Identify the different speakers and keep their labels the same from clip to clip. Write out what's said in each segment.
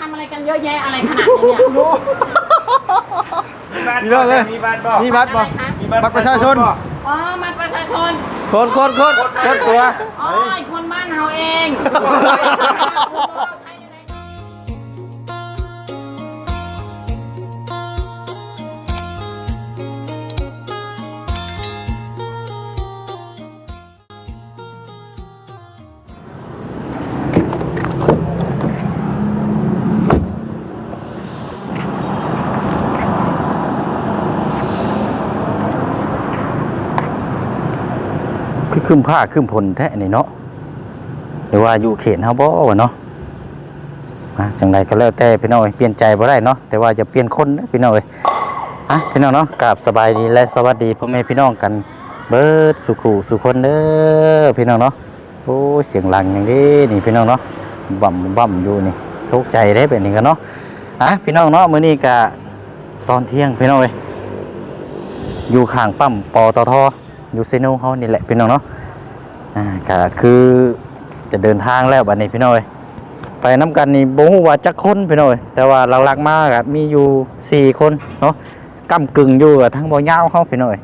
Speaker 1: ทำอะไรกันเยอะแยะอะไรขนาดนี้เนี่ย
Speaker 2: มีเรื่องเลยมีบัตรบ่บัตรประชาชน
Speaker 1: อ๋อบัตรประชาชน
Speaker 2: คนตัว
Speaker 1: อ๋อคนบ้านเฮาเอง
Speaker 3: คือขึ้นผ้าขึ้นผลแท้นี่เนาะหรือว่าอยู่เขตเฮาบ่วะเนาะจังใดก็แล้วแต่พี่น้องเปลี่ยนใจบ่ได้เนาะแต่ว่าจะเปลี่ยนคนนะพี่น้องพี่น้องเนาะกราบสบายดีและสวัสดีพ่อแม่พี่น้องกันเบิดสุขุสุคนเด้อพี่น้องเนาะโอ้เสียงหลังอย่างนี้นี่พี่น้องเนาะบ่ำอยู่นี่ตกใจได้แบบนี้กันเนาะพี่น้องเนาะมื้อนี้ก็ตอนเที่ยงพี่น้องอยู่ข้างปั๊มปตท.อยู่เซโนเฮานี่แหละพี่น้องเนาะก็คือจะเดินทางแล้วบัดนี้พี่น้องไปน้ำกันนี่บ่ฮู้ว่าจักคนพี่น้องแต่ว่าหลักๆมาก็มีอยู่4คนเนาะก้ำกึ่งอยู่กับทั้งบ่ยาวเฮาพี่น้อง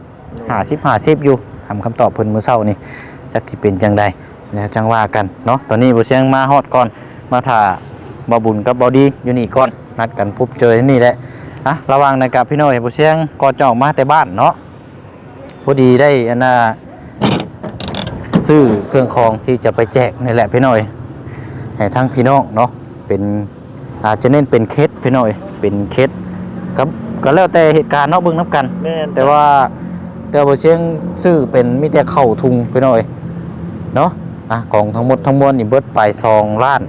Speaker 3: 50อยู่ทำคำตอบเพิ่นมื้อเช้านี่จักสิเป็นจังใดแล้วจังว่ากันเนาะตอนนี้บ่เสียงมาฮอดก่อนมาถ่าบ่บุญกับบ่ดีอยู่นี่ก่อนนัดกันพบเจอที่นี่แหละระวังนะครับพี่น้องบ่เสียงก่อนจะออกมาแต่บ้านเนาะพอดีได้อันน่ะซื้อเครื่องคองที่จะไปแจกนี่แหละพี่น้อยให้ทั้งพี่น้องเนาะเป็นอาจจะเน้นเป็นเคสพี่น้อยเป็นเคสก็แล้วแต่เหตุการณ์เนาะเบิ่งน้ำกันแต่ว่าบ่เชียงซื้อเป็นมีแต่เข้าทุงพี่น้อยเนาะของทั้งหมดทั้งมวลนี่เบิดไป2 ล้าน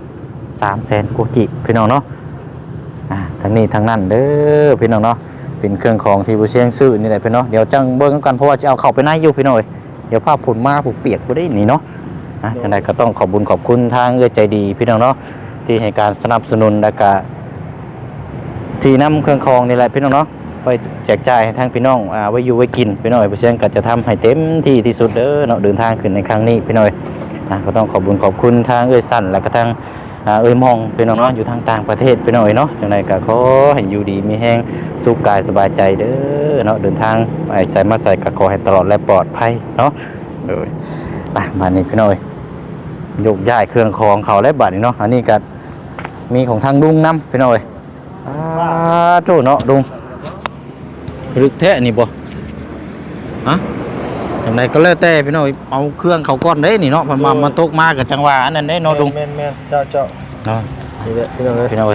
Speaker 3: 3แสนกว่ากิพี่น้องเนาะทั้งนี้ทั้งนั้นเด้อพี่น้องเนาะเป็นเครื่องของที่บ่เชียงซื้อนี่แหละพี่น้องเดี๋ยวจังเบิ่งกันเพราะว่าจะเอาเข้าไปในอยู่พี่น้อยเดี๋ยวภาพผลมาผูกเปียกบ่ได้นี่เนาะจังได๋ก็ต้องขอบคุณทางใจดีพี่น้องเนาะที่ให้การสนับสนุนและก็ที่นำเครื่องคองนี่แหละพี่น้องเนาะไปแจกจ่ายให้ทางพี่น้องไว้อยู่ไว้กินพี่น้องบ่เชียงก็จะทำให้เต็มที่ที่สุดเด้อเนาะเดินทางขึ้นในครั้งนี้พี่น้อยก็ต้องขอบคุณทางสั่นและก็ทางมองพี่น้องเนาะอยู่ทางต่างประเทศพี่น้อยเนาะจังได๋ก็ขอให้อยู่ดีมีแรงสุขกายสบายใจเด้อเนาะเดินทางไปใส่มาใส่ก็ขอให้ตลอดและปลอดภัยเนาะมานี่พี่น้อยยกย้ายเครื่องของเขาและบัดนี้เนาะอันนี้ก็มีของทางดุงนำพี่น้อยโจ้เนาะดุงลึกแท้นี่บ่จังไดก็แล้วแต่พี่น้อยเอาเครื่องเขาก้อนได้นี่เนาะมันตกมากับจังหวะอันนั้นได้เนาะดุง
Speaker 2: แม่นเจ้า
Speaker 3: เนาะ
Speaker 2: นี่แหละพี่น้อง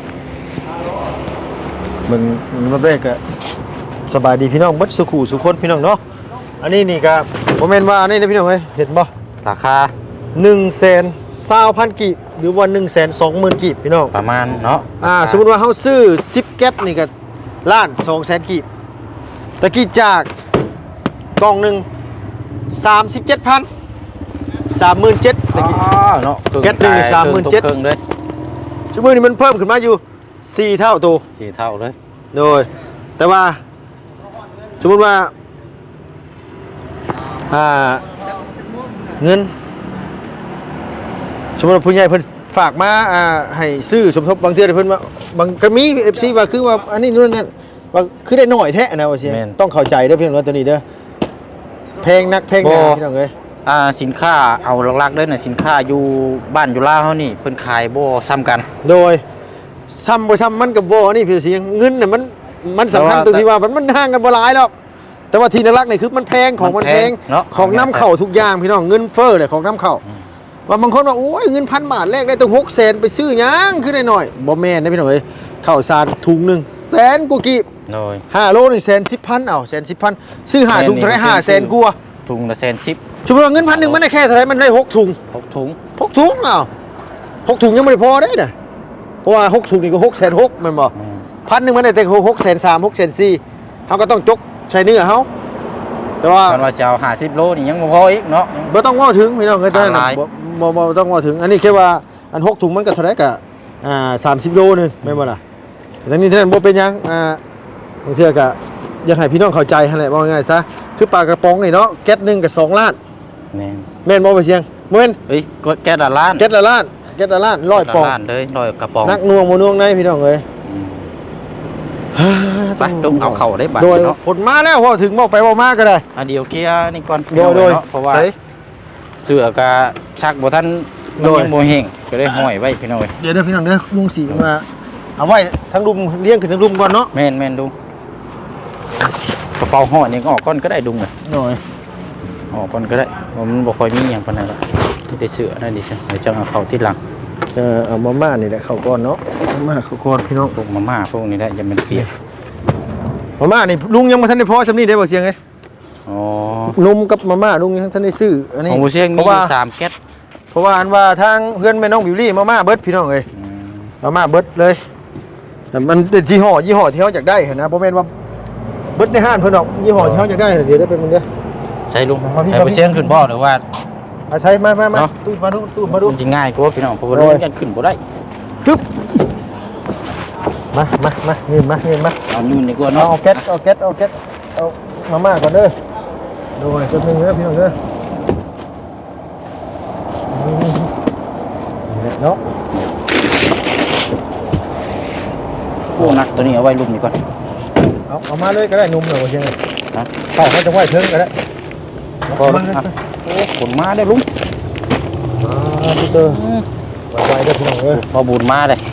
Speaker 2: มันมาเบรกอะสบายดีพี่น้องเบิดสุขุสุคนพี่น้องเนาะอันนี้นี่ก็บ่แม่นว่าอันนี้นะพี่น้องเฮ้ยเห็นบ่
Speaker 3: ราคา
Speaker 2: 120,000 กิหรือว่า 120,000 กิพี่น้อง
Speaker 3: ประมาณเนาะ
Speaker 2: สมมุติว่าเฮาซื้อ10แก๊สนี่ก็ล้าน 200,000 กิตะกี้จากกล่องนึง37,000 37,000ตะกี้
Speaker 3: เนาะ
Speaker 2: แก๊สนึง37,000
Speaker 3: เครื่องเลย
Speaker 2: ชั่วโมงนี้มันเพิ่มขึ้นมาอยู่4 เท่าตัว
Speaker 3: 4 เท่าเลย
Speaker 2: โดยแต่ว่าสมมุติว่าเงินสมมุติว่าผู้ใหญ่เพิ่นฝากมาให้ซื้อสมทบบางเทื่อเพิ่นว่าบางก็มี FC ว่าคือว่าอันนี้นู่นนั่นว่าคือได้น้อยแท้นะว่าสิต้องเข้าใจเด้อพี่น้องตัวนี้เด้อแพงนักแพงหนาพี่น้องเอ้ย
Speaker 3: สินค้าเอาหลักๆเด้อน่ะสินค้าอยู่บ้านอยู่ลาวเฮานี่เพิ่นขายบ่ซ้ำกัน
Speaker 2: โดยซ้ำบ่ซ้ำมันก็บ่นี่พี่เสียงเงินน่ะมันสำคัญตรงที่ว่ามันห่างกันบ่หลายหรอกแต่ว่าที่หลักๆนี่คือมันแพงของมันแพงของน้ำเข้าทุกอย่างพี่น้องเงินเฟ้อเลยของน้ำเข้าว่าบางคนว่าโอ้ยเงิน1,000 บาทแลกได้ตั้ง600,000ไปซื้อหยังคือได้หน่อยบ่แม่นนะพี่น้องเอ้ยข้าวสารถุงนึงแสนกว่ากิ
Speaker 3: โดย
Speaker 2: 5 โลนี่110,000เอา110,000ซื้อ5 ถุงเท่าไหร่500,000กว่า
Speaker 3: ถุงละ110,000
Speaker 2: สมมุติว่าเงิน1,000มันได้แค่เท่าไหร่มันได้6 ถุง
Speaker 3: 6 ถุง
Speaker 2: 6 ถุงอ้าว6 ถุงยังไม่พอได้น่ะเพราะว่า6 ถุงนี่ก็660,000แม่นบ่1,000มันได้แต่630,000 640,000เฮาก็ต้องจกใช้เนื้อเฮาแต่ว่า
Speaker 3: จะเอา50 โลนี่ยังบ่พออีกเนาะ
Speaker 2: บ่ต้องว่าถึงพี่น้องเอ้ยตอนนั้นบ่ต้องว่าถึงอันนี้แค่ว่าอัน6 ถุงมันก็เท่าไหร่ก็30 โลนึงแม่นบ่ล่ะแต่นี่เท่านั้นบ่เป็นหยังบางเทื่อก็อยากให้พี่น้องเข้าใจหั่นแหละว่าง่ายซะคือปลากระป๋องนี่เนาะแก๊สนึงก็2 ล้านแม่นบ่ไปเสียงบ่แม่น
Speaker 3: เฮ้ยแก๊สละล้าน
Speaker 2: แก๊สละล้านเจ็ดละล้านร้อยปอง
Speaker 3: ล้านเลยร้อยกระป๋อง
Speaker 2: นักน่วงบ่น่วงในพี่น้องเอ้ย
Speaker 3: ไปลุงเอาเข่าได้บัตร
Speaker 2: โดย
Speaker 3: เนาะ
Speaker 2: ผลมาแล้วพอถึงบอกไปบอกมาก็ได้
Speaker 3: เดี๋ยวเคลียร์นี่ก่อน
Speaker 2: โดย
Speaker 3: เนาะเพราะว่า
Speaker 2: ใส่
Speaker 3: เสือกะชักบ่ทัน
Speaker 2: โดย
Speaker 3: มันบ่แห้งก็ได้ห้อยไว้พี่น้อย
Speaker 2: เดี๋ยวพี่น้องเด้อลุงสีมาเอาไว้ทั้งรุมเลี้ยงขึ้นทั้งรุมก่อนเนาะ
Speaker 3: แม่นลุงกระเป๋าห่อนี่ก็ออกก่อนก็ได้ดุงเลย
Speaker 2: หน่อย
Speaker 3: ออกก่อนก็ได้เพราะมันบ่ค่อยมีหยังปานนั้นหรอกที่ได้เสือนั่นดิฉันเดี๋ยวจะเอาเข้าที่หลัง
Speaker 2: เอามาม่านี่แหละเข้าก่อนเนาะมาม่าเข้าก่อนพี่น้อง
Speaker 3: พวกมาม่าพวกนี้ได้อย่ามันเปียก
Speaker 2: มาม่านี่ลุงยังบ่ทันได้พอซำนี้ได้บ่เสียงเอ้ย
Speaker 3: อ๋อ
Speaker 2: ลุงกับมาม่าลุงยังทันได้ซื้ออันนี้
Speaker 3: ของบ่เชียง
Speaker 2: เพ
Speaker 3: มี
Speaker 2: ราะว่า
Speaker 3: 3แก๊ส
Speaker 2: เพราะว่าอันว่าทางเพื่อนแม่น้องบิวลี่มาม่าเบิดพี่น้องเอ้ย
Speaker 3: อืม
Speaker 2: มาม่าเบิดเลยแต่มันเป็นยี่ห้อที่เฮาอยากได้เห็นนะบ่แม่นว่าเบิดในห้างเพิ่นดอกยี่ห้อที่เฮาอยากได้เดี๋ยวได้เป็นมึงเด้อ
Speaker 3: ใช่ลุง
Speaker 2: เอาพี่
Speaker 3: แต่บ่เชียงขึ้นบ่หรือว่า
Speaker 2: เอาใช้มา
Speaker 3: เนาะ
Speaker 2: ตู้มาดูตู้มาดู
Speaker 3: มันสิง่ายกว่าพี่น้องเพราะว่า
Speaker 2: โอ้
Speaker 3: ลุ
Speaker 2: ย
Speaker 3: งกันขึ้นบ่ได้
Speaker 2: ปึ๊บมาเงินมา
Speaker 3: เอานู่นดีกว่า
Speaker 2: เอา
Speaker 3: เนาะ
Speaker 2: เอาแก๊สเอามาม่าก่อนเด้อโดยจนนึงเด้อพี่น้องเด้อนี่แหละเนาะ
Speaker 3: โอ้หนักตัวนี้เอาไว้ลุมนี่ก่อน
Speaker 2: เอามาเลยก็ได้นุ่มเลยว่าเชียง
Speaker 3: นะ
Speaker 2: เข้าเขาจะไหวเทิงก็ได้
Speaker 3: พอแล้วอ่ะโอ้ขนมาได้ลุง
Speaker 2: พี่เตอร์ไวๆเด้อพี่น้องเอ้ย
Speaker 3: พอบูนมาเลย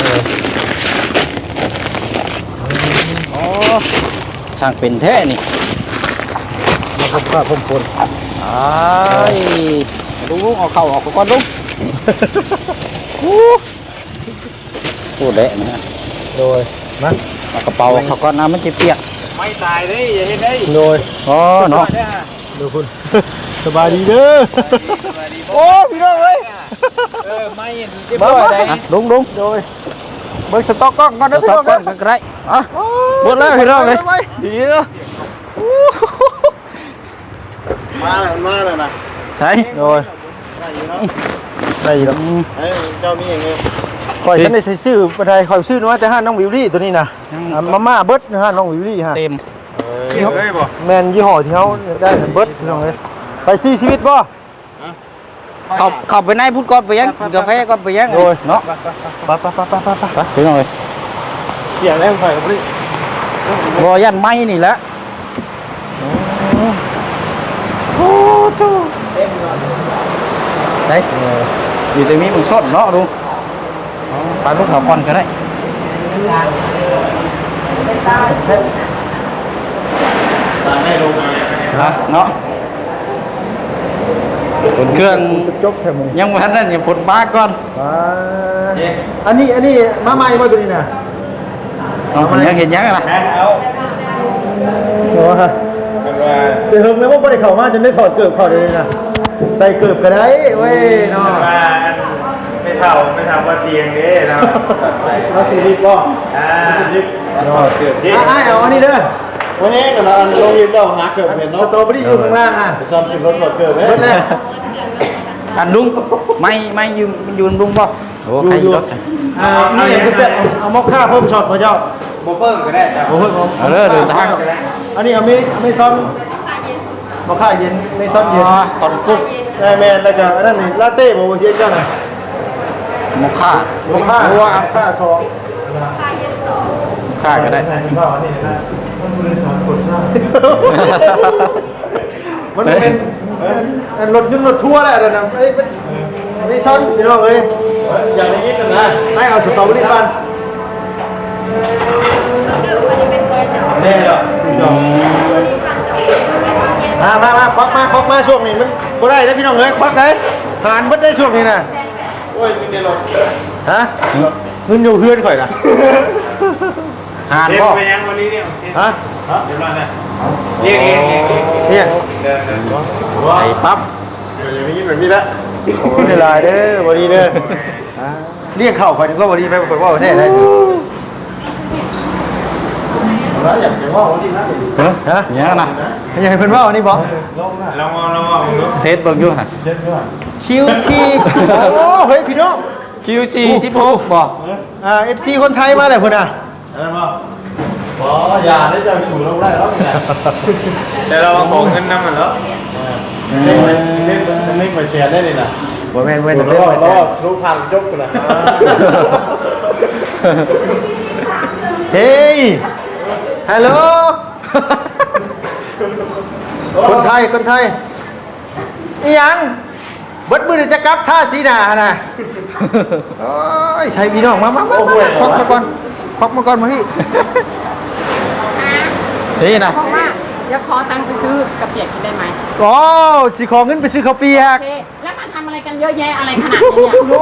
Speaker 3: อ๋อช่างเป็นแท้นี่
Speaker 2: มาพบข้าพบคน
Speaker 3: อ้ายลุงเอาเข่าออกก่อนลุงโอ้เละนะฮะ
Speaker 2: โดยมา
Speaker 3: เอากระเป๋าเขาก่อนนะมันจะเปียก
Speaker 4: ไม่ตายเลยอย่าเห็นได้
Speaker 2: โดย
Speaker 3: อ๋อเนาะ
Speaker 2: ดูคุณ สบายดีเด้อโอ้พี่น้องเอ้ย
Speaker 4: ไม่เรียบร้อยเลย
Speaker 3: อ่ะลุง
Speaker 2: โดยเบิกสต็อกกล้องก่อน
Speaker 3: เดี๋
Speaker 2: นะ
Speaker 3: ยว
Speaker 2: พี่
Speaker 3: ท็อ
Speaker 2: น้
Speaker 3: ป
Speaker 2: อง
Speaker 3: ก่อ
Speaker 2: เด้
Speaker 3: น
Speaker 2: อ
Speaker 3: ก็ได้อ่ะหมดแล้วพี่น้องเลย
Speaker 2: ดีเด้อ
Speaker 4: มาเลยนะ
Speaker 3: ใช่
Speaker 2: โดยได้อยู่แล้ว
Speaker 4: เฮ้ยเจ้านี่เอง
Speaker 2: คอยฉันได้ใส่ซื้อบันไดคอยซื้อน้อยแต่ห้าน้องวิวลี่ตัวนี้นะมาม่าเบิร์ดห้าน้องวิวลี่ฮะ
Speaker 3: เต็ม
Speaker 4: เฮ้ยบ่
Speaker 2: แมนยี่ห้อที่เขาได้เบิร์ดพี่น้องเอ้ยไปซี่ชีวิตบ่
Speaker 3: เข้าไปในพูดก่อนไปยังกาแฟก่อนไปยัง
Speaker 2: โดย
Speaker 3: เนาะ
Speaker 2: ไป
Speaker 3: พี่น้องเลย
Speaker 4: เสียงแรงไฟกับพี่
Speaker 3: รอยันไม้นี่แหละไหนอยู่ตรงนี้มึงสดเนาะลุงปลาลูกเขาก่อนก็ได้เนาะผลเครื่อง
Speaker 2: จบแค่มึง
Speaker 3: ยังไม่ทันนั่นอย่าผลปลาก่อน
Speaker 2: อันนี้มาใหม่บ่ตัวนี้นะ
Speaker 3: ยังเห็นยังนะ
Speaker 4: เอา
Speaker 2: โอ้ฮะเดี๋ยวเฮิงแม่ว่าบ่ได้เข้ามาจนได้ถอดเกือบเข้าเดี๋ยวนี้นะใส่เกือบก็ได้เว้ยเนาะ
Speaker 4: ไม่เท่าว่าเตียงนี้นะ
Speaker 2: เอาสีดิบบ่
Speaker 4: เกือบที่
Speaker 2: อ้ายเอาอันนี้เด้อ
Speaker 4: วันนี้กับเราลงยิมเราหาเกือบเห็น
Speaker 2: ส
Speaker 4: เนาะ
Speaker 2: ตรอเบอรี่อยู่ข้างล่างอ่ะ
Speaker 4: ซ้อมกินรถหมดเกือบเลย
Speaker 2: เบิดแล้ว
Speaker 3: อันลุงไม่ยืนลุงป่ะโอ้ใครรถ
Speaker 2: นี่อย่างจะเอามอคค่าเพิ่มช็อตพระเจ้า
Speaker 4: โบเปิ้งก็ได้ครับ
Speaker 2: โอ้ย
Speaker 3: เอาเลยเดินทาง
Speaker 2: อันนี้ไม่ซ้อนมอคค่าเย็นไม่ซ้อนเย็น
Speaker 3: ตอนกุ๊ก
Speaker 2: ได้แมนแล้วก็อันนั้นนี่ลาเต้บอกว่าเชียนเจ้าหน่อย
Speaker 3: มกค่าม
Speaker 2: อคค่าค่าซอง
Speaker 3: ค่าก็ได้
Speaker 2: ข้าวนี่นะมันเป็นสอนกดซ่ามันเป็นรถยนต์รถทัวร์แหละเดี๋ยวนะไม่ซ้อนพี่น้องเอ้ย
Speaker 4: อย่างนี้กันนะ
Speaker 2: ให้เอาสตรอเบอรี่ปันแน่เหรอมาควักมาช่วงนี้มันบ่ได้นะพี่น้องเอ้ยควักได้หานเบิดได้ช่วงนี้นะ
Speaker 4: โอ้ยมีในรถ
Speaker 2: ฮะเงินอยู่เพื่อนข่อยนะ
Speaker 3: หาน
Speaker 4: เรียก
Speaker 3: พ่อ
Speaker 4: ไปยังวันนี้เนี่ย
Speaker 2: ฮะ
Speaker 4: เดี๋ยวรอนะเรียกเอง
Speaker 2: เนี่ย
Speaker 4: เดิน
Speaker 3: ไอ้ปั๊บ
Speaker 4: อย่างนี้แบบนี้ละ
Speaker 2: โอ้ยลายเด้อบอดีเด้อเรียกเข้าข่อยนึงก็บอดีไปข่อยว่าประเทศได้
Speaker 4: แล้วอยากจะว่าวันนี้นะ
Speaker 2: ฮะ
Speaker 3: อย่างนั้นนะ
Speaker 2: อยากให้เพิ่นว่าอันนี้บ่
Speaker 4: ลองมองดู
Speaker 3: เทสเบิ่งอยู่ฮะ
Speaker 4: เย็นด้วย
Speaker 2: คิวทีโอ้เฮ้ยพี่น้อง
Speaker 3: QC 16บ่
Speaker 2: FC คนไทยมาเลยพุ่นน่ะ
Speaker 4: อะไรบ้างอ๋ออย่าได้จะฉูลงได้แล้วแต่เราของเงินนั่นมันแล้วเล่นไปเชียร์ได้เลยนะ
Speaker 2: บ่แม่นเว้น
Speaker 4: ร
Speaker 2: เรื่อง
Speaker 4: อ
Speaker 2: ไป
Speaker 4: ร
Speaker 2: แซ่
Speaker 4: อรู้พันจบกันนะ
Speaker 2: เฮ้ยฮัลโหลคนไทยคนไทยอีหยังเบิดมือเดี๋ยวจะกลับท่าสีหน้าน่ะโอ้ยใช่พี่น้องมาควักมาก่อนควักมาก่อนมาพี่นี่นะ
Speaker 1: บอกว่าเดี๋ยวขอตังค์ไปซื้อกระเปียกกินได้ไหม
Speaker 2: โอ้สิขอเงินไปซื้อข้าวเปีย
Speaker 1: โอก เคแล้วมาทำอะไรกันเยอะแยะอะไรขนาดนี้เนี่ย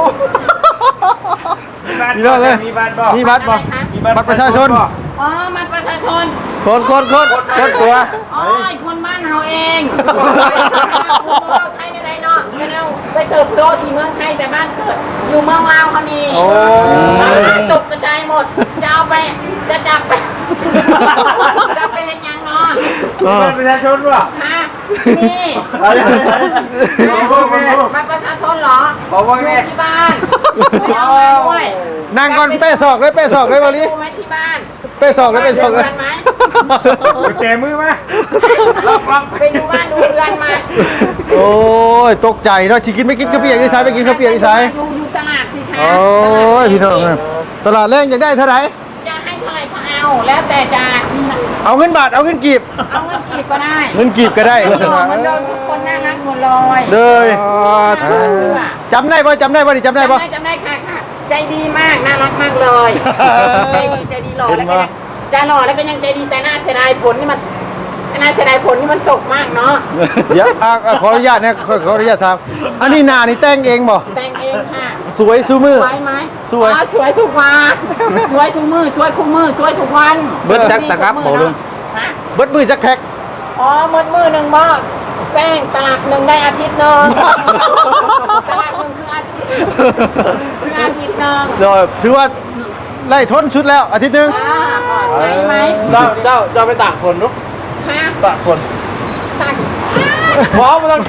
Speaker 2: พี่น้องเลย
Speaker 5: มีบัตรบ่
Speaker 2: มีบัตรบ่
Speaker 1: อะไรคะ
Speaker 2: บัตรประชาชน
Speaker 1: อ๋อมันประชาชน
Speaker 2: คนตัว
Speaker 1: อ๋อคนบ้านเฮาเองไทยในใดเนาะไม่เอาไปเติบโตที่เมืองไทยแต่บ้านเกิดอยู่เมืองลาวเขานี่
Speaker 2: โอ้
Speaker 1: ตกกระจายหมดจะเอาไปจะจับไปจะไปเห็นยังเนาะ
Speaker 5: มีบัตรประชาชนบ่
Speaker 1: ฮะนี่บัตรประชาชนเหรอ
Speaker 5: ขอว่า
Speaker 1: อยู่
Speaker 5: ไง
Speaker 1: ที่บ้านไม่เอาไปด้วย
Speaker 2: นั่งก่อนเป้ศอกเลยเป้ศอกเลยวันนี้
Speaker 1: ไปดูไหมที่บ้าน
Speaker 2: เป้ศอกเลยเป้ศอกเลย
Speaker 1: บ้านดูเรือนไหม
Speaker 5: กุญแจมือมาล็อก
Speaker 1: ไปดูบ้านดูเรือนมา
Speaker 2: โอ้ยตกใจเนาะสิกินไม่กินข้าวเปียกอีสานไปกินข้าวเปียกอีสาน
Speaker 1: อยู่ตลาดสิคะ
Speaker 2: โอ้ยพี่น้องเอ้ยตลาดแรงอยากได้เท่าไหร่
Speaker 1: จะให้เท่าไหร่ก็เอาแล้วแต่จะ
Speaker 2: เอาเงินบาทเอาเงินกีบ
Speaker 1: เอาเงินกีบก็ได้
Speaker 2: เงินกีบก็ได้
Speaker 1: เหมือนเดิมทุกคนน่ารักหมดเลย
Speaker 2: เลย
Speaker 1: น่าเชื่อ
Speaker 2: จำได้ป่ะจำได้ป่ะนี่จำได้ป่ะ
Speaker 1: จำได้ค่ะค่ะ ใจดีมากน่ารักมากเลย ใจดีหล่อแล้วก็ยังจะหล่อแล้วก็ยังใจดีแต่น่าเสียดายผลนี่มันน่าเสียดายผลนี่มันตกมากเนาะ
Speaker 2: เดี๋ยวขออนุญาตนะขออนุญาตถามอันนี้หน้านี่แต่งเองบ่
Speaker 1: แต่งเองค่ะ
Speaker 2: สวยซูมือ
Speaker 1: สวยไหม
Speaker 2: สวย
Speaker 1: อ๋อสวยทุกวันสวยทุกมือสวยคู่มือสวยทุกวัน
Speaker 3: เบิดจักตะครับบ่ลุง
Speaker 1: ฮะ
Speaker 2: เบิดมือจักแพ็ค
Speaker 1: อ๋อมือหนึ่งบ่แป้งตลับหนึ่งได้อาทิตย์หนึ่งตลับหนึ่งคืออาทิตย์หนึ่ง
Speaker 2: เดี๋ยวถือว่าไล่ทนชุดแล้วอาทิตย์หนึง
Speaker 1: ใช่ไหม
Speaker 4: เจ้าไปตากคนนุ๊ก
Speaker 1: ฮะ
Speaker 4: ตากคน
Speaker 1: ตัก
Speaker 4: พร้อมมาต้อง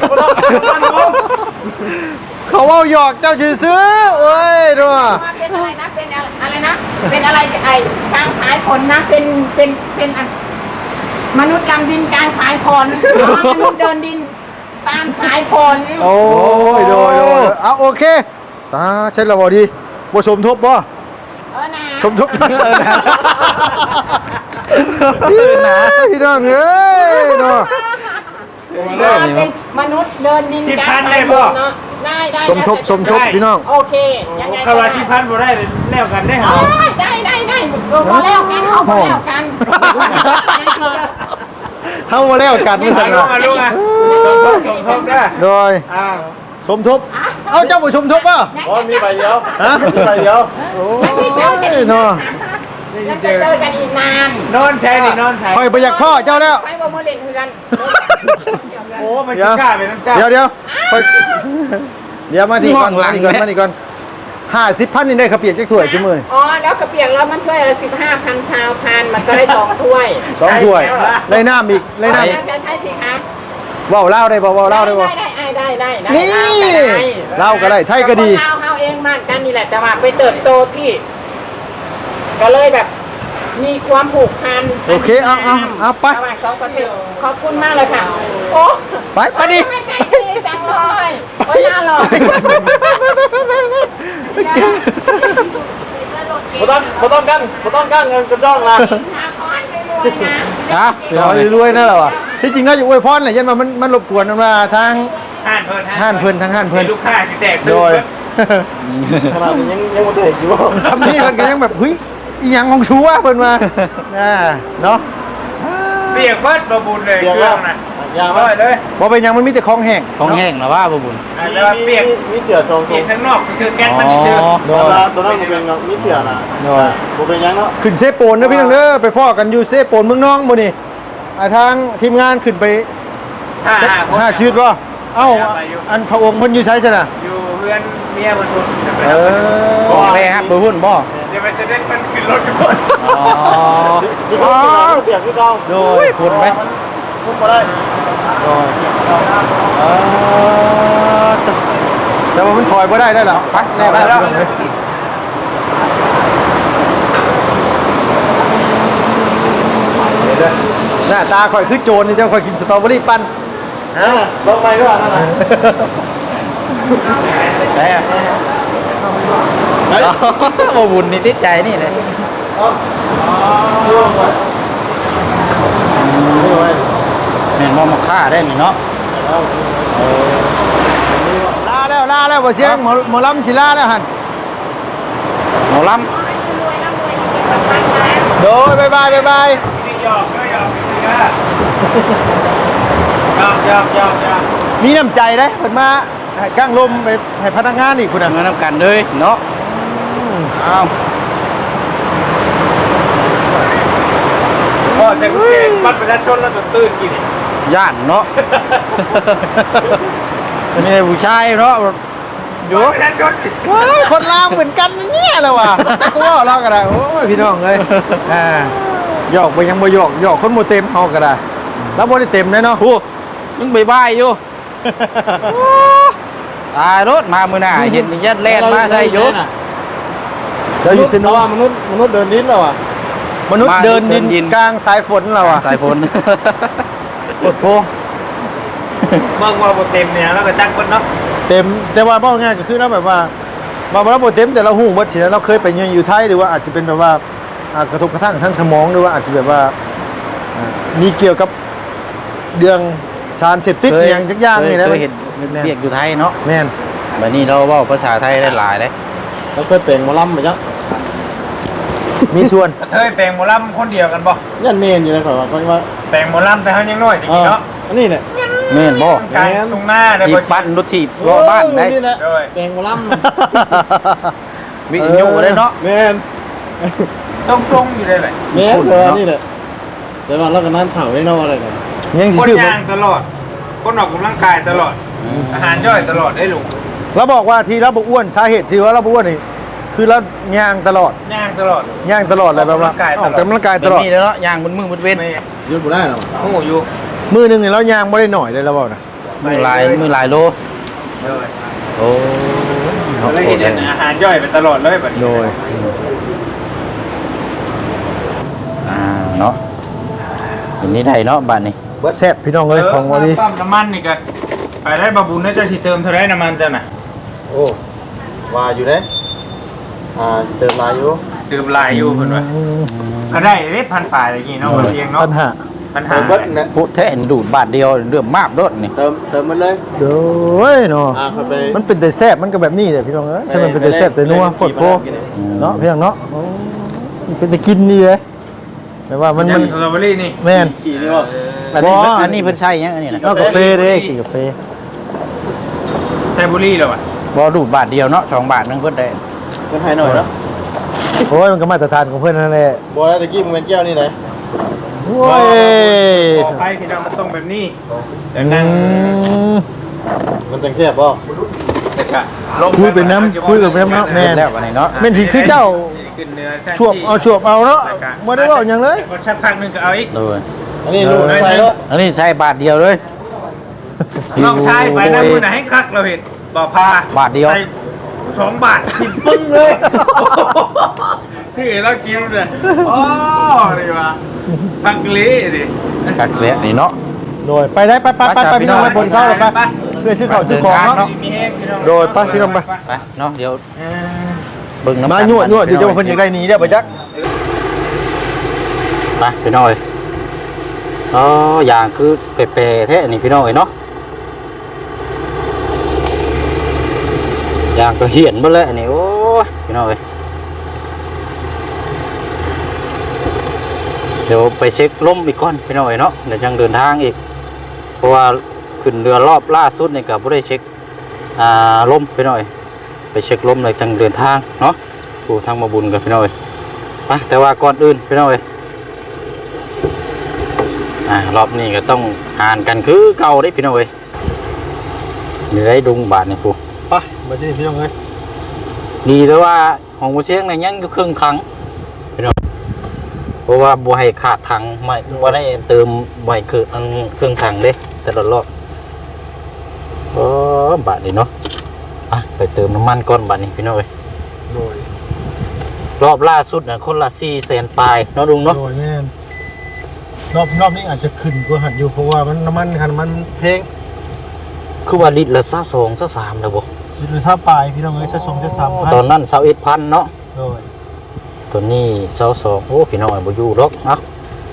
Speaker 2: เขาเอาหยอกเจ้าชื่อซื้อเอ้ยดูอ่ะ
Speaker 1: ว่าเป็นอะไรนะเป็นอะไรนะเป็นอะไรไอ้กลางสายฝนนะเป็นมนุษย์ดำดินกลางสายฝนมนุษย์เดินดินตามสายฝน
Speaker 2: โอ้ยโดยเอาโอเคตาเช่นเราบอดีบ่สมทบบ่
Speaker 1: นะ
Speaker 2: สมทบนะพี่น้องเอ้ยเนาะ
Speaker 1: เป็นมนุษย์เดินดินกลางสายฝนเนาะได้
Speaker 2: สมทบพี่น้อง
Speaker 1: โอเคยังไง
Speaker 5: ขวาที่พันบ่ได้แล้วกันได้เหรอ
Speaker 1: ได้พอแล้วกันเอาพอแล้วกัน
Speaker 2: เท่ามาแล้วกันไม่สั่ง
Speaker 5: ลุงอ่ะลุงอ่ะสมทบได้
Speaker 2: โดย
Speaker 5: อ้าว
Speaker 2: สมทบเอาเจ้าบ่สมทบป่ะ
Speaker 4: อ๋อมีใบเดียว
Speaker 2: ฮะ
Speaker 4: มีใบเดียว
Speaker 2: โอ้ยเนาะ
Speaker 1: ยังจะเจอกันอีกนาน
Speaker 5: นอนใช้นี่นอนใช้
Speaker 2: คอยประหยัดข้อเจ้าแล้ว
Speaker 1: ไปบ่มาเล่นเฮือน
Speaker 5: โอ้มันจะกล้าเป็นน้ำจ้า
Speaker 2: เดี๋ยวมาดีก่อนมาดีก่อน50,000นี่ได้ข้าวเปียกจักถ้วยชั่วโมง
Speaker 1: อ๋อแล้วกระเปียกแล้วมันถ้วยละ15,000 20,000มันก็ได้2ถ้วย
Speaker 2: 2ถ้วยได้น้ำอีกได้น้ำ
Speaker 1: จะใช่สิคะ
Speaker 2: ว้าวเล่าได้บ่ว้าวเล่าได้บ่
Speaker 1: ได้
Speaker 2: นี่เล่าก็ได้ไทยก็ดี
Speaker 1: เล่าเฮาเองบ้านกันนี่แหละแต่ว่าไปเติบโตที่ ก็เลยแบบมีความผูกพัน
Speaker 2: โอเคเอาไป
Speaker 1: ระหว่างสองประเทศขอบคุณมากเลยค่ะโอ้
Speaker 2: ไปดิ
Speaker 1: ไม่ใจดีจังเลยโอ้ยน่าหล่อ
Speaker 4: บ่ต้องกันเงินกระจ้องนะ
Speaker 1: ขอให้รวยๆนะ
Speaker 2: นะเรารวยๆนั่นแหละวะที่จริงเราอยู่อวยพรแหละยันมันรบกวนมาทาง
Speaker 5: ห้านเพิ่น
Speaker 2: ทางห้านเพิ่น
Speaker 5: ลูกค้าสิแตก
Speaker 2: โดย
Speaker 4: ขนาดนี้ยังบ่ได้อยู่
Speaker 2: คำนี้มันก็ยังแบบเฮ้ยอีหยังของชูวะเพิ่นมาเนาะ
Speaker 5: เปียกเบิดบ่บุญเลยเครื่องน่ะ
Speaker 4: อย่า
Speaker 5: ร้
Speaker 4: มา
Speaker 5: อยเลย
Speaker 2: บ่เป็นหยังมันมีแต่ของแห้ง
Speaker 3: ของแห้งนะว่าบ่บุญ
Speaker 5: แต่ว่าเปียก
Speaker 4: มีเสือทรง
Speaker 5: เปียกข้างนอกคือแก๊สมันชื่อ
Speaker 4: ตัวนั้นบ่เป็นเนาะมีเสือน่ะบ่เป็นหยังเนาะ
Speaker 2: ขึ้นเซโปนเด้อพี่น้องเด้อไปพ่อกันอยู่เซโปนเมืองน้องมื้อนี้ทางทีมงานขึ้นไป
Speaker 5: 5
Speaker 2: 5ชีวิตบ่เอ้าอันพระองค์เพิ่นอยู่ไสซะน่ะ
Speaker 5: อยู่เพื่อนเมียมันทุน
Speaker 3: ของแท้ครับบ่บุญบ่
Speaker 5: เดี๋ยวไปเสด็จมันขึ้นรถกันหมด
Speaker 3: อ๋อ
Speaker 4: สิเปียกคือเก่า
Speaker 2: โดยคุณไหม
Speaker 4: พุ่งบ่ได้
Speaker 2: โดยแต่ว่ามันถอยบ่ได้ล่ะไปแน่ไปแล้วหน้าตาข่อยคือโจรนี่เจ้าข่อยกินสตรอเบอรี่ปั้น
Speaker 4: ลงไปด้วยนั่นน่ะ
Speaker 3: ได้อะบ่บุญนี่ติดใจนี่เลยแม่นบ่มาฆ่าได้นี่เนาะ
Speaker 2: ลาแล้วบ่เสียงหมอลำสิลาแล้วหั่น
Speaker 3: หมอล
Speaker 2: โดยบ๊ายบาย
Speaker 5: หยอก
Speaker 2: มีน้ำใจเด้เพิ่นมาให้กางลมไปให้พนักงานอีกพุ่น
Speaker 3: ำ
Speaker 2: น่ะ
Speaker 3: เงินน้ำกันเลยเนาะอ้าว
Speaker 5: พ่อจะกูเก่งบัตรประชาชนแล้วจะตื่นกิน
Speaker 3: ย่านเนาะอันนี้ผู้ชายเนาะอยู่
Speaker 5: ประชาชน
Speaker 2: ว้ายคนลาวเหมือนกันเนี่ยแหละว่ะก็ว่าเราก็ได้โอ้ยพี่น้องเอ้ยหยอกไปยังบ่หยอกคนบ่เต็มเฮาก็ได้แล้วบ่ได้เต็มแน่เนาะ
Speaker 3: ผู้ยังบายอยู่ตายรถมามือหน้าเห็นยัดแล่นมาใส่อยู่
Speaker 2: เราอยู่ซิโน
Speaker 4: มนุษย์เดินลิ้นแล้วอ่ะ
Speaker 2: มนุษย์เดินดินกลางสายฝนเราอ่ะ
Speaker 3: สายฝน
Speaker 2: โอ้โห
Speaker 5: เมืองว่าโปรเต็มเนี่ยแล้วก็จักคนเนาะ
Speaker 2: เต็มแต่ว่าบอกง่ายก็คือเราแบบว่าเราบ่เต็มแต่เราหูบ่สิเราเคยไปอยู่ไทยหรือว่าอาจจะเป็นแบบว่ากระทบกระทั่งทั้งสมองหรือว่าอาจจะแบบว่ามีเกี่ยวกับเรื่องสารเสพติดอย่างจักอย่างนี่นะ
Speaker 3: เคยเห็นเรียกอยู่ไทยเนาะ
Speaker 2: แม่น
Speaker 3: แบบนี้เราเว้าภาษาไทยได้หลายเลย
Speaker 4: แล้วเคยเป็นหมอลำไปจ้ะ
Speaker 2: มีส่วน
Speaker 5: เฮ้ยแปลงหมอลำคนเดียวกันบ่
Speaker 4: ยันเมนอยู่นะเขาว่า
Speaker 5: แปลงหมอลำแต่เขายังน้อยจริงๆเนาะ
Speaker 4: อันนี้เนี่ย
Speaker 3: แม่นบ่
Speaker 5: กลางตรงหน้าได้
Speaker 3: ถี
Speaker 5: บ่
Speaker 3: บปั้นรถถีบรอบ้านได้
Speaker 4: นี่แหละ
Speaker 5: ด้วย
Speaker 4: แกงหมอล
Speaker 3: มีอยู่ได้เนาะ
Speaker 4: ำแมน
Speaker 5: ทรงๆอยู่ได้เลย
Speaker 4: แมนเออนี่แหละแต่ว่าเราก็นั่นเข่าได้นอกอะไรกัน
Speaker 2: ยังสิ
Speaker 5: คน
Speaker 2: ซื้อ
Speaker 5: ย่างตลอด คนออกกำลังกายตลอด อาหารย่อยตลอดได้ลุง
Speaker 2: เราบอกว่าที่เราบ่อ้วนสาเหตุที่ว่าเราบ่อ้วนนี่คือเราย่างตลอด
Speaker 5: ย่างตลอด
Speaker 2: ย่างตลอดเลยแบบว่าออกกำลังกายตลอด
Speaker 3: มีแล้วเนาะย่างบนมือบนเว้น
Speaker 5: ไม่
Speaker 4: ยืดบุได้หรอ
Speaker 5: หูอยู่
Speaker 2: มือหนึงนี่เราย่างบ่ได้หน่อยเลยเราบอกนะ
Speaker 3: มือหลายโล
Speaker 5: เลย
Speaker 3: โอ้
Speaker 5: แล้วเห็นอาหารย่อยไปตลอดเลยแบบนี้
Speaker 2: โดย
Speaker 3: เนาะอันนี้ได้เนาะบ้านนี้
Speaker 2: แซ่บพี่น้องเอ้ยของวันนี้
Speaker 5: ปั๊มน้ำมันนี่ก็ไปได้บาบุญน่าจะสิเติมเท่าไรน้ำมันเจ้าน่ะ
Speaker 4: โอ้ว่าอยู่เด้เติมลายอยู่
Speaker 5: เติมลายอยู่เพิ่นว่าก็ได้เด้พันฝ่ายอย่างงี้เนาะบ่เพียงเนาะ
Speaker 2: ปัญหา
Speaker 5: ปัญหา
Speaker 4: เติมเบิ้ลนะ
Speaker 3: พุทธแห่ดูดบาทเดียวเรื่องมากรถนี่
Speaker 4: เติมมันเลย
Speaker 2: โดยเนาะ
Speaker 4: เข้าไป
Speaker 2: มันเป็นแต่แซ่บมันก็แบบนี้แหละพี่น้องเอ้ยใช่มันเป็นแต่แซ่บแต่นัวปวดโพเนาะพี่น้องเนาะโอ้ยเป็นแต่กินนี่เลยแต่ว่ามัน
Speaker 5: สตรอเบอรี่นี่
Speaker 2: แม่น
Speaker 4: ขี่นี่ว่า
Speaker 3: อันนี้เพิ่นใช่ยังอันนี้นะ
Speaker 2: เอากาแฟเด้ขี่กาแฟ
Speaker 5: ไทบุรี่แล้วอ่ะ
Speaker 3: บ่ดูดบาทเดียวเนาะ2 บาทนึงเพิ่นได้
Speaker 4: ก็ให้หน่อยเนาะ
Speaker 2: โอ้ยมันก็มาตรฐานของเพื่อนนั่นแหละ
Speaker 4: บอกแล้วตะกี้มึงเป็นแก้วนี่ไหน
Speaker 2: โอ้ย
Speaker 5: ขอไปพี่น้องมันต้องแบบนี้แต่
Speaker 2: อื
Speaker 5: นั่ง
Speaker 2: ม
Speaker 4: มันจังแซ่บป่ะ
Speaker 5: แต่ก็
Speaker 2: คุยเป็นน้ำคุยกับเป็นน้ำเนาะแม่น
Speaker 3: แล้วอันนี้เนาะ
Speaker 2: แม่นสิคือเจ้า
Speaker 5: ขึ้นเนื้อ
Speaker 2: ชวบเอาเนาะบ่ได้บอกหยังเลย
Speaker 5: พอชักพักนึงก็เอาอีก
Speaker 3: เลย
Speaker 4: อันนี้ลูกใส่แล้ว
Speaker 3: อันนี้ใช้บาทเดียวเลย
Speaker 5: น้องชายไปนะมือไหนให้คักเราเห็นบ่อพา
Speaker 3: บาทเดียว
Speaker 5: ใส่2 บาทกินปึ้งเลย ชื่อแล้วกินเลยอ๋อนี่ว่าพักเละดิ
Speaker 3: กักเละนี่เนาะ
Speaker 2: โดยไปได้ไปพี่น้องไปบนเสาเลยไปเพื่อซื้อข้าวซื้อของเนาะ
Speaker 5: มีแห้งพี่น้อง
Speaker 2: โดยไปพี่น้องไป
Speaker 3: ไปเนาะเดี๋ยว
Speaker 5: เออ
Speaker 3: เบิ่งน้ำ
Speaker 2: มาหยวดเดี๋ยวจะมาเพิ่นอยากได้หนีเด้อบ่จัก
Speaker 3: ไปพี่น้อยอ๋ออย่างคือเปรๆแท้นี่พี่น้อยเนาะอย่างก็เหียนหมดเลยอันนี้โอ้ยพี่น้อยเดี๋ยวไปเช็คลมอีกก่อนพี่น้อยเนาะเดี๋ยวยังเดินทางอีกเพราะว่าขึ้นเรือรอบล่าสุดนี่ก็บ่ได้เช็คลมพี่น้อยไปเช็คลมเลยจังเดินทางเนาะผู้ทางมาบุญกับพี่น้อยไปแต่ว่าก่อนอื่นพี่น้อยรอบนี้ก็ต้องหานกันคือเก่าได้พี่น้อยนี่ได้ดุงบาทนี่ผู้
Speaker 2: ไปมาที่นี่พี่น้องเอ้ย
Speaker 3: ดีแต่ว่าของบ่เสียงนี่ยังอยู่ครึ่งครั้งพี่น้องเพราะว่าบ่ให้ขาดถังไม่บ่ได้เติมบ่ให้คือเครื่องถังเด้แต่ละรอบบาทนี่เนาะไปเติมน้ำมันก่อนบาทนี้พี่น้อย
Speaker 2: โดย
Speaker 3: รอบล่าสุดน่ะคนละ400,000ปลายเนาะลุงเนาะ
Speaker 2: โดยแม่นรอบนี้อาจจะขึ้นกว่าหันอยู่เพราะว่ามันน้ำมันคันมันแพง
Speaker 3: คือว่าลิตรละ22 23แล้วบ่
Speaker 2: ลิตรละ20ปลายพี่น้องเอ้ยจะส่งจะ3,000
Speaker 3: ตอนนั้น21,000เนาะ
Speaker 2: โดย
Speaker 3: ตัวนี้22โอ้พี่น้องบ่อยู่หรอกเอ้า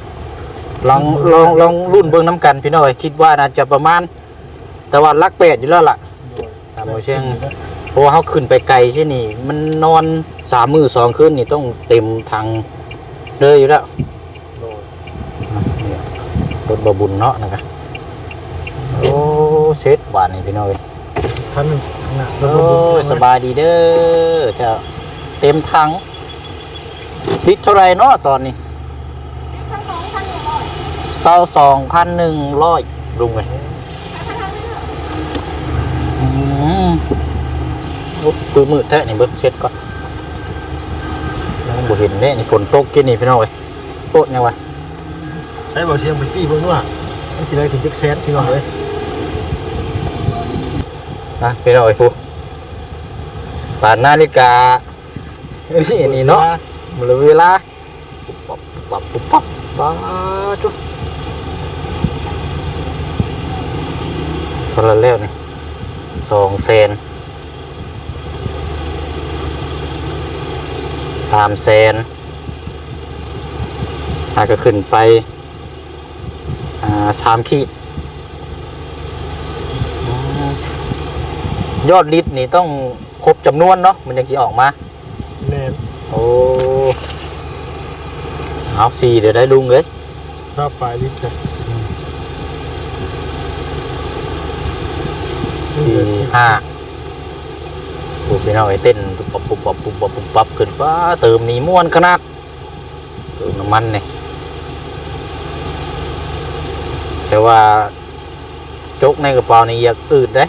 Speaker 3: ลองรุ่นเบิ่งน้ำกันพี่น้องคิดว่าน่าจะประมาณแต่ว่าหลัก8อยู่แล้วล่ะตามบ่เชียงเพราะว่าเฮาขึ้นไปไกลซี่นี่มันนอน3มื้อ2คืนนี่ต้องเต็มถังเลยอยู่แล้วรถบ่บุญเนาะนะครับโอ้เซ็ตบาทนี่พี่น้องเอ้ย
Speaker 2: คันหนึงข้างหน้า
Speaker 3: โอ้ยสบายดีเด้อเจ้าเต็มถังลิตรเท่าไรเนาะตอนนี้22,100ลุงเลยคือมืดแท้นี่เบิ้งเช็ดก่อนบ่เห็นเนี่ยนี่ฝนตกกินนี่พี่น้องเอ้ยโต๊ะยังวะ
Speaker 2: ใช้บ่เสียงไปจี้เบิ่งว่ามันสิได้ถึงจักแสนพี่น้องเอ้ย
Speaker 3: นะพี่น้องเอ้ยผู้ป่านนาฬิกานี่เนาะหมดเวลาปุ๊บปั๊บบ้าจุ๊บเท่าไรแล้วนี่200,000 300,000อาจจะขึ้นไป3 ขีดยอดลิตรนี่ต้องครบจำนวนเนาะมันยังจะออกมา
Speaker 2: แม่น
Speaker 3: โอ้เอา4เดี๋ยวได้ลุงเลย
Speaker 2: ชอบปลายลิตรจ้ะ
Speaker 3: 4 5ปุ๊บพี่น้องไอ้เต้นปุ๊บขึ้นป้าเติมนี่ม่วนขนาดเติมน้ำมันเนี่ยแต่ว่าจกในกระเป๋านี่อยากอืดได้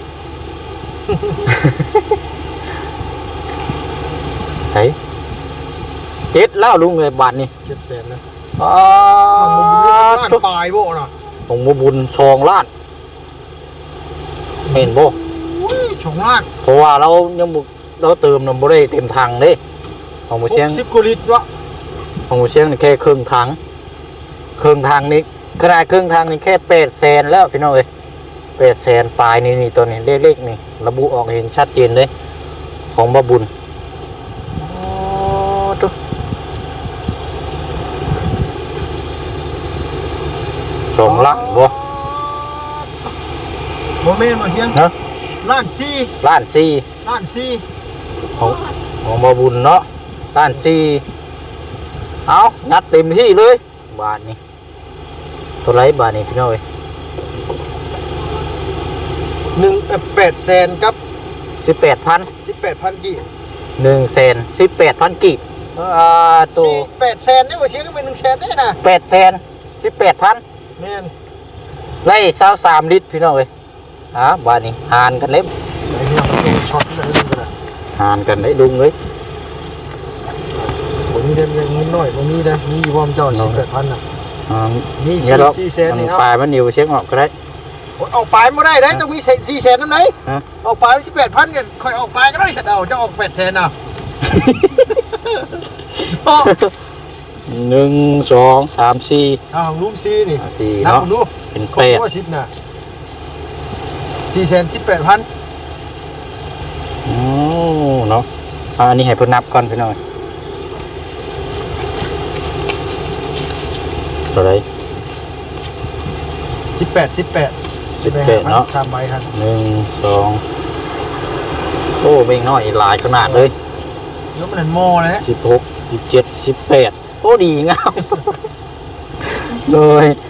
Speaker 3: ใส่7แล้วลุงเลยบาทนี่
Speaker 2: 700,000นะ
Speaker 3: อ๋อ
Speaker 2: ล้านปลายบ่น่ะ
Speaker 3: ของบุญ2 ล้านเห็นบ่
Speaker 2: อุ้ย2ล้าน
Speaker 3: เพราะว่าเรายังบ่เราเติมน้ำบ่ได้เต็มถังเด้ของบ่เชียง
Speaker 2: 60กว่าลิตรวะ
Speaker 3: ของบ่เชียงนี่แค่ครึ่งถังนี่ขนาดครึ่งถังนี่แค่800,000แล้วพี่น้องเอ้ย800,000ปลายนี่ตัวนี้เลขๆนี่ระบุออกเห็นชัดเจนเลยของบ่บุญอ๋อตุ๊2 ล้านบ่
Speaker 2: บ่แม่นบ่เสียง
Speaker 3: เนาะ
Speaker 2: ล้าน
Speaker 3: ล้าน 4
Speaker 2: 4ล้าน
Speaker 3: ของบ่บุญเนาะล้าน4เอางัดเต็มที่เลยบาทนี่ตัวไรบาทนี่พี่น้อย
Speaker 2: 800,000กับ
Speaker 3: 18,000
Speaker 2: 18,000กี่
Speaker 3: 118,000 กีบตัว
Speaker 2: 800,000นี่บ่เสียก็เป็น100,000ได้น่ะ
Speaker 3: 818,000
Speaker 2: แม่น
Speaker 3: ไล่23 ลิตรพี่น้อยบาทนี่หารกันเล็บ
Speaker 2: ไอ้เนี่ยมันโดนช็อตเลยนึงก็ได้
Speaker 3: หารกันได้ดุงเลย
Speaker 2: บ่มีได้เงินน้อยบ่มีได้มีอยู่พร้อมเจ้า18,000น่ะ มี
Speaker 3: เนี่ยหรอก
Speaker 2: 400,000นี่เอา
Speaker 3: ปลายมันนิ้วเช็คออกก็ได้
Speaker 2: ออกปลายบ่ได้ได้ต้องมี400,000นำไหน
Speaker 3: ฮะ
Speaker 2: ออกปลาย18,000ก็ค่อยออกปลายก็ได้ฉันเอาจะออก800,000น่ะ
Speaker 3: 1 2 3 4
Speaker 2: เอาของลุงซีนี่
Speaker 3: 4
Speaker 2: นับ
Speaker 3: เนาะ
Speaker 2: ดู
Speaker 3: เป็น
Speaker 2: ครบ
Speaker 3: 8
Speaker 2: ว่า10น่ะ418,000
Speaker 3: โอ้เนาะอันนี้ให้เพิ่นนับก่อนพี่น้อยเท่าไหร่
Speaker 2: 18
Speaker 3: เนาะ
Speaker 2: 3ใบครับ
Speaker 3: 1 2โอ้เบ่งน้อยหลายขนาดเลย
Speaker 2: แล้วมันโมเลย
Speaker 3: 16 17 18โอ้ดีงาม เลย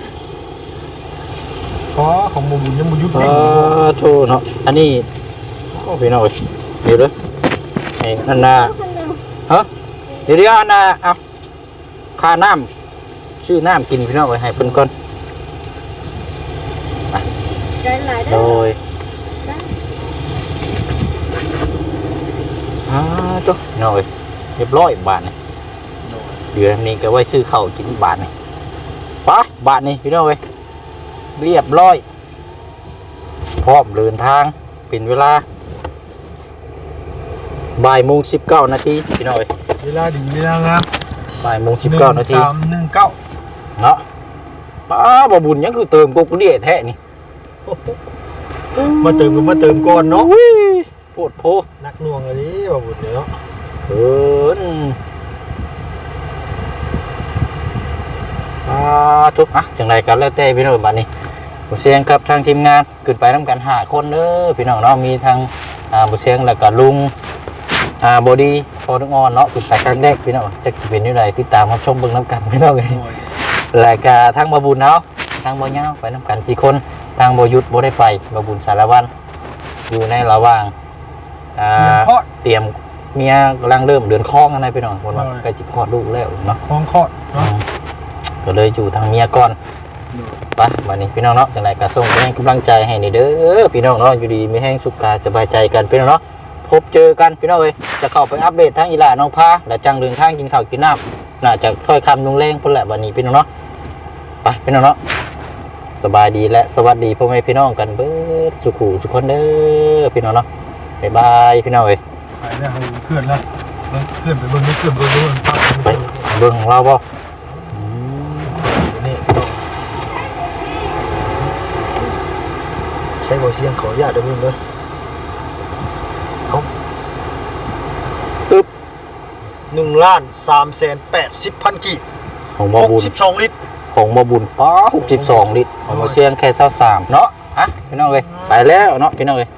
Speaker 2: ขอของหมู่บุญยังบ่หยุด
Speaker 3: เอ
Speaker 2: เอง
Speaker 3: โชว์เนาะอันนี้โอ้พี่น้อยเดี๋ยวเด้อไอ้อันน่ะฮะเดี๋ยวอันน่ะเอาค่าน้ำชื่อน้ำกินพี่น้อยให้เพิ่นก่อน
Speaker 1: ใจหลาย
Speaker 3: โด
Speaker 1: เด้อย
Speaker 3: จ๊กหน่อยเรียบร้อยบาทนี่เดือนนี้ก็ไว้ซื้อข้าวกินบาทนี่ไปบาทนี่พี่น้องเอ้ยเรียบร้อยพร้อมเดินทางเป็นเวลาบ่ายโมง19 นาทีพี่น้องเอ้ย
Speaker 2: เวลาดีเวลางาม
Speaker 3: บ่ายโมง19 นาที
Speaker 2: 1319
Speaker 3: เนาะป้าบ่บุญยังคือเติมกุ๊กเดียแท้นี่
Speaker 2: มาเติมก็มาเติมก่อนเนาะ
Speaker 3: โพดโพ
Speaker 2: นักหน่วงอันนี้บ่บุญเนาะ
Speaker 3: เอิ้นทุกจังไรกันแล้วแต่พี่น้องบัดนี้บุเสียงกับทางทีมงานขึ้นไปนํกัน5คนเด้อพี่น้องเนาะมีทางบุเสียงแล้วก็ลุงบอดี้พอทุกออนเนาะขึ้นไปครั้งแรกพี่น้องจักสิเป็นอยู่ไดติดตามรับชมเบิ่งนํกันพี่น้องเอ้ยแล้วก็ทางบ่บุญเนาะทางบ่ยาวไปนํกัน4คนทางบ่หยุดบ่ได้ไปบ่บุญสารวัตรอยู่ในระหว่างเตรียมเมียกำลังเริ่มเดือนคลองอะไรพี่น้องคนว่าใกล้จะคลอดลูกแล้วเนาะ
Speaker 2: คลองคอดเนาะ
Speaker 3: ก็เลยอยู่ทางเมียก่อนไปวันนี้พี่น้องเนาะจังไรก็ส่งให้กำลังใจให้นี่เด้อพี่น้องเนาะอยู่ดีมีแห้งสุขกายสบายใจกันพี่น้องเนาะพบเจอกันพี่น้องเอ้ยจะเข้าไปอัปเดตทั้งอีหล่าน้องพาและจังเดินทางกินข้าวกินน้ำน่าจะค่อยคำลุงเล่งพุ่นแหละวันนี้พี่น้องเนาะไปพี่น้องเนาะสบายดีและสวัสดีพ่อแม่พี่น้องกันเบิดสุขุสุขคนเด้อพี่น้องเนาะบ๊ายบายพี่น้องเอ้ย
Speaker 2: ไปแล้วเคลื่อนแล้วเคลื่อนไปเบิ่งเคลื่อนไปเบิ่ง
Speaker 3: ไปเบิ่งของเราบ่
Speaker 2: นี่ใช้บ่เสียงขออนุญาตเด้อมึงเด้อเอาปึ๊บ1,380,000 กีบ
Speaker 3: ของบ่บุญ
Speaker 2: 62 ลิตร
Speaker 3: ของบ่บุญป้า62 ลิตรของบ่เสียงแค่23เนาะฮะพี่น้องเอ้ยไปแล้วเนาะพี่น้องเอ้ย